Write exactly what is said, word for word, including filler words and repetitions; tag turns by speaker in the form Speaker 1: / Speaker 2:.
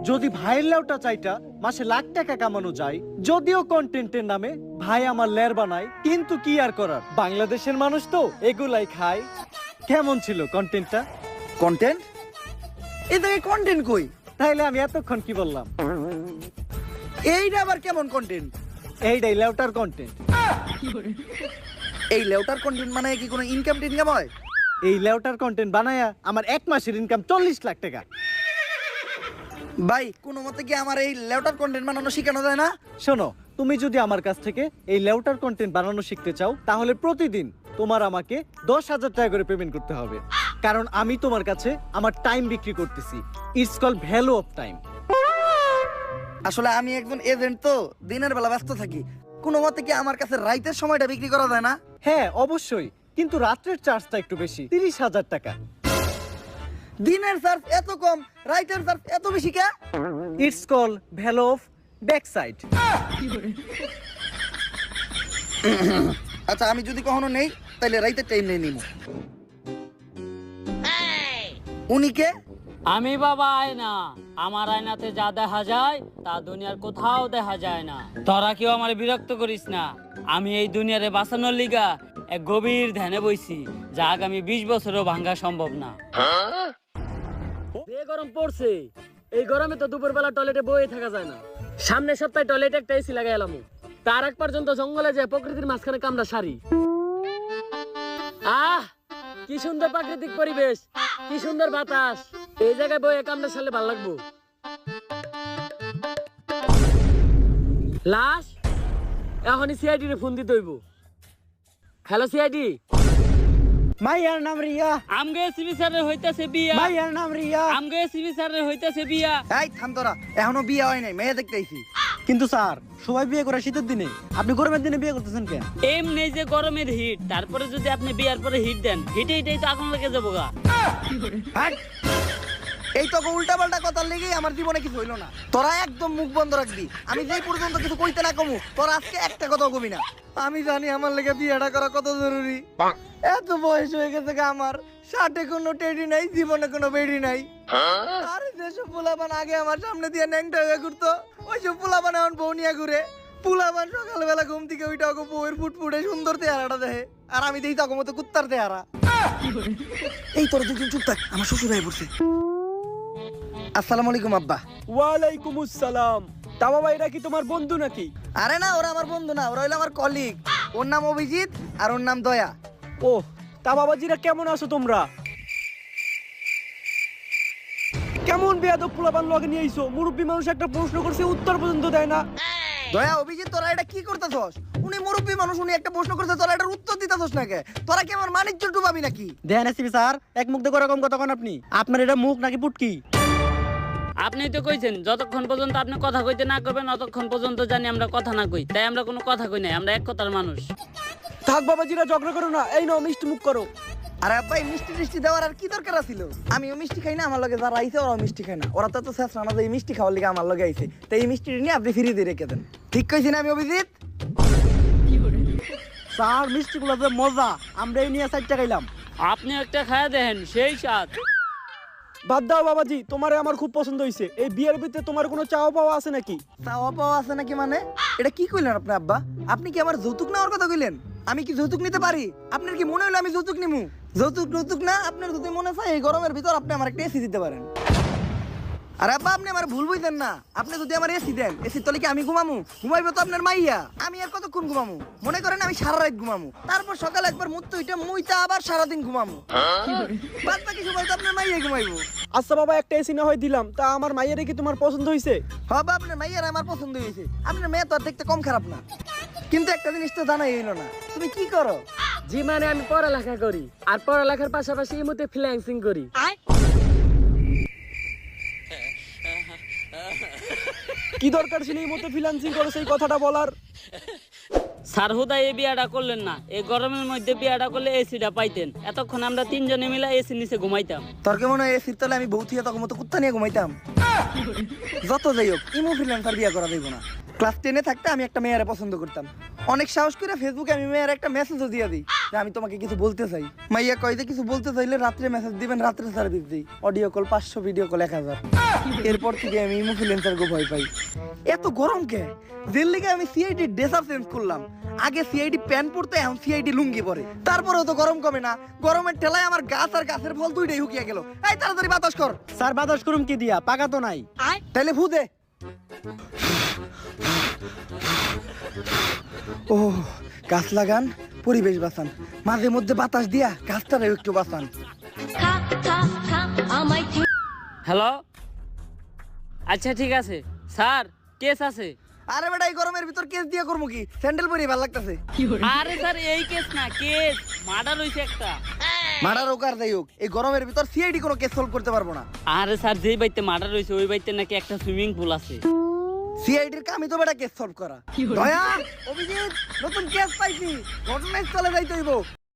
Speaker 1: যদি ভাইয়ের লেউটা চাইটা মাসে লাখ টাকা কামানো যায়, যদিও কন্টেন্টের নামে ভাই আমার লের বানায়, কিন্তু কি আর করার, বাংলাদেশের মানুষ তো এগুলাই খায়। কেমন ছিল কন্টেন্টটা?
Speaker 2: কন্টেন্ট? এই থেকে কন্টেন্ট কই?
Speaker 1: তাইলে আমি এতক্ষণ কি বললাম?
Speaker 2: এইটা আবার কেমন কন্টেন্ট?
Speaker 1: এইটাই লেউটার কন্টেন্ট।
Speaker 2: এই লেউটার কন্টেন্ট মানে কি কোনো ইনকাম টিনকাম হয়?
Speaker 1: এই লেউটার কন্টেন্ট বানায়া আমার এক মাসের ইনকাম চল্লিশ লাখ টাকা।
Speaker 2: ভাই কোনো মতে কি আমার এই লেউটার কন্টেন্ট বানানো শেখানো যায় না?
Speaker 1: শোনো, তুমি যদি আমার কাছ থেকে এই লেউটার কন্টেন্ট বানানো শিখতে চাও, তাহলে প্রতিদিন তোমার আমাকে দশ হাজার টাকা করে পেমেন্ট করতে হবে, কারণ আমি তোমার কাছে আমার টাইম বিক্রি করতেছি। It's call value of time.
Speaker 2: আসলে আমি একজন এজেন্ট, তো দিনের বেলা ব্যস্ত থাকি। কোনো মতে কি আমার কাছে রাইতের সময়টা বিক্রি করা যায় না?
Speaker 1: হ্যাঁ অবশ্যই, কিন্তু রাত্রের চার্জটা একটু বেশি, তিরিশ হাজার টাকা।
Speaker 2: দিনের চার্জ এত কম, রাইতের চার্জ এত বেশি কে?
Speaker 1: It's call value of back side.
Speaker 2: আচ্ছা আমি যদি কখনো নেই তাহলে রাইতের টাইম নেই নিব। উনি কে?
Speaker 3: আমি বাবা আয়না। আমার আয়নাতে যা দেখা যায় তা দুনিয়ার কোথাও দেখা যায় না। তোরা কেউ আমার বিরক্ত করিস না। আমি এই দুনিয়ারে বাঁচানোর লিগা এক গভীর ধ্যানে বইছি, যা আগামী বিশ বছরও ভাঙ্গা সম্ভব না। যে গরম পড়ছে, এই গরমে তো দুপুর বেলা টয়লেটে বয়ে থাকা যায় না। সামনের সপ্তাহে টয়লেটে একটা এসি লাগাই এলাম। তার এক পর্যন্ত জঙ্গলে যায় প্রকৃতির মাঝখানে কামড়া সারি। আহ কি সুন্দর প্রাকৃতিক পরিবেশ, কি সুন্দর বাতাস। এই জায়গায় বই কামড়া সারলে ভালো লাগবো। লাশ এখনই সিআইডি রে ফোন দিতে হইব। Hello CID.
Speaker 1: মাইয়ার নাম রিয়া।
Speaker 3: আমগে এসিবি স্যারের হইতাছে বিয়া।
Speaker 1: মাইয়ার নাম রিয়া।
Speaker 3: আমগে এসিবি স্যারের হইতাছে বিয়া।
Speaker 2: এই থাম তোরা, এখনো বিয়ে হয় নাই, মেয়ে দেখতে আইছি।
Speaker 1: কিন্তু স্যার, সবাই বিয়ে করে শীতের দিনে, আপনি গরমের দিনে বিয়ে করতেছেন কেন?
Speaker 3: এমনি যে গরমের হিট, তারপরে যদি আপনি বিয়ার পরে হিট দেন, হিটে হিটেই তো আগুন লেগে যাবো গা।
Speaker 2: হাট! এই তো উল্টা পাল্টা কথার লেগেই আমার জীবনে কিছু হইলো না। তোরা একদম মুখ বন্ধ রাখবি। আমি যেই পর্যন্ত কিছু কইতে না কমু, তোরা আজকে একটা কথা কবি না। আমি জানি আমার লেগে বিয়েটা করা কত জরুরি। এত বয়স হয়ে গেছে গা আমার, ষাটে কোনো টেডি নাই, জীবনে কোনো বেডি নাই। আরে যেসব পোলাপান আগে আমার সামনে দিয়ে ন্যাংটা হয়ে ঘুরতো, ওইসব পোলাপান এখন বউ নিয়ে ঘুরে। পোলাপান সকালবেলা ঘুম থেকে ওইটা ওকে বউয়ের ফুটফুটে সুন্দর চেহারাটা দেখে, আর আমি দেখি তখন মতো কুত্তার চেহারা। এই তোর দুজন চুপ থাক, আমার শ্বশুর হয়ে পড়ছে। আসসালামু আলাইকুম আব্বা।
Speaker 4: ওয়ালাইকুম আসসালাম। তা বাবা, এটা কি তোমার বন্ধু নাকি?
Speaker 2: আরে না, ওরা আমার বন্ধু না, ওরা হইলো আমার কলিগ। ওর নাম অভিজিৎ আর ওর নাম দয়া।
Speaker 4: ও, তা বাবাজিরা কেমন আছো তোমরা? কেমন বেয়াদব পোলাপান লগে নিয়ে আইছো? মুরব্বী মানুষ একটা প্রশ্ন করছে, উত্তর পর্যন্ত দেয় না।
Speaker 2: দয়া, অভিজিৎ, তোরা এটা কি করতেছস? উনি মুরব্বী মানুষ, উনি একটা প্রশ্ন করছে, তোরা এটার উত্তর দিতেছস না কে? তোরা কি আমার মানিজ্য ডুবাবি নাকি?
Speaker 1: দেন এসিবি স্যার, এক মুখ দেখো এরকম কথা কোন আপনি? আপনার এটা মুখ নাকি পুটকি?
Speaker 3: আপনি তো কইছেন যতক্ষণ পর্যন্ত আপনি কথা কইতে না করবেন ততক্ষণ পর্যন্ত জানি আমরা কথা না কই, তাই আমরা কোনো কথা কই নাই, আমরা এক কথার মানুষ।
Speaker 4: থাক বাবাজিরা, ঝগড়া করো না। এই নাও মিষ্টি মুখ করো।
Speaker 2: আরে আব্বা, এই মিষ্টি টিষ্টি দেওয়ার আর কি দরকার ছিল? আমিও মিষ্টি খাই না, আমার লগে যারা আইছে ওরাও মিষ্টি খায় না। ওরা তো তো শেষ রানা, এই মিষ্টি খাওয়ার লিগে আমার লগে আইছে, তাই এই মিষ্টি নিয়ে আপনি ফিরিয়ে দিয়ে রেখে দেন। ঠিক কইছি না আমি অভিজিৎ?
Speaker 1: স্যার, মিষ্টি গুলো যে মজা, আমরা এই নিয়ে চারটা খাইলাম।
Speaker 3: আপনি একটা খায়া দেখেন, সেই স্বাদ।
Speaker 4: বাদ দাও বাবাজি, তোমারে আমার খুব পছন্দ হইছে। এই বিয়ের ভিতরে তোমার কোনো চাওয়া পাওয়া আছে নাকি?
Speaker 2: চাওয়া পাওয়া আছে নাকি মানে? এটা কি কইলেন আপনি আব্বা? আপনি কি আমার যৌতুক নেওয়ার কথা কইলেন? আমি কি যৌতুক নিতে পারি? আপনার কি মনে হলো আমি যৌতুক নিমু? যৌতুক যৌতুক না, আপনার যদি মনে চায় এই গরমের ভিতর আপনি আমার একটা এসি দিতে পারেন। আরে আব্বা, আপনি আমার ভুল বুঝতেন না। আপনি যদি আমার এসি দেন, এসি তলে কি আমি ঘুমামু? ঘুমাইবো তো আপনার মাইয়া। আমি আর কতক্ষণ ঘুমামু? মনে করেন আমি সারা রাত ঘুমামু, তারপর সকালে একবার মুত্ত হইটা মুইতা আবার সারাদিন ঘুমামু। বাদ বাকি সময় তো আপনার মাইয়া ঘুমাইবো।
Speaker 4: আচ্ছা বাবা, একটা এসি না হয় দিলাম, তা আমার মাইয়ারে কি তোমার পছন্দ হইছে?
Speaker 2: হ্যাঁ বাবা, আপনার মাইয়ার আমার পছন্দ হয়েছে। আপনার মেয়ে তো আর দেখতে কম খারাপ না, কিন্তু একটা জিনিস তো জানাই হইলো না, তুমি কি করো?
Speaker 3: জি মানে আমি পড়ালেখা করি, আর পড়ালেখার পাশাপাশি এই মধ্যে ফ্রিল্যান্সিং করি।
Speaker 4: কি দরকার ছিল এই মতো ফ্রিল্যান্সিং করে সেই কথাটা বলার?
Speaker 3: স্যার হুদা এই বিয়াটা করলেন না, এই গরমের মধ্যে বিয়াটা করলে এসিটা পাইতেন। এতক্ষণ আমরা তিনজনে মিলে এসি নিচে ঘুমাইতাম।
Speaker 2: তোর কে মনে হয় এসির তলে আমি বউ থিয়া তখন মতো কুত্তা নিয়ে ঘুমাইতাম? যত যাই হোক, ইমো ফ্রিল্যান্সার বিয়ে করা যাইব না। ক্লাস টেনে থাকতে আমি একটা মেয়েরে পছন্দ করতাম। অনেক সাহস করে ফেসবুকে আমি মেয়ের একটা মেসেজও দিয়ে দিই যে আমি তোমাকে কিছু বলতে চাই। মাইয়া কয় যে কিছু বলতে চাইলে রাত্রে মেসেজ দিবেন, রাত্রে সার্ভিস দিই। অডিও কল পাঁচশো, ভিডিও কল এক হাজার। এরপর থেকে আমি ইনফ্লুয়েন্সার গো ভয় পাই। এত গরম কে? জেল লিগে আমি সিআইডি ড্রেস আপ চেঞ্জ করলাম। আগে সিআইডি প্যান্ট পরতে, এখন সিআইডি লুঙ্গি পরে। তারপরেও তো গরম কমে না। গরমের ঠেলায় আমার গাছ আর গাছের ফল দুইটাই হুকিয়ে গেল। এই তাড়াতাড়ি বাতাস কর।
Speaker 4: স্যার বাতাস করুম কি দিয়া, পাকা তো নাই।
Speaker 2: তাইলে ফু দে। ও গাছ লাগান, পরিবেশ বাঁচান, মাঝে মধ্যে বাতাস দিয়া গাছটারও একটু বাঁচান।
Speaker 3: হ্যালো, আচ্ছা ঠিক আছে স্যার, কেস আছে।
Speaker 2: আরে বেটা এই গরমের ভিতর কেস দিয়া করবো কি? স্যান্ডেল পরে ভালো লাগতেছে।
Speaker 3: আরে স্যার এই কেস না, কেস মার্ডার হইছে একটা।
Speaker 2: মারার ওকার যাই হোক, এই গরমের ভিতর সিআইডি কোনো কেস সলভ করতে পারবো না।
Speaker 3: আরে স্যার যেই বাইতে মার্ডার হইছে ওই বাইতে নাকি একটা সুইমিং পুল আছে।
Speaker 2: সিআইডির কামই তো বেটা কেস সলভ করা। দয়া, অভিজিৎ, নতুন কেস পাইছি, ঘটনাস্থলে যাইতে হইব।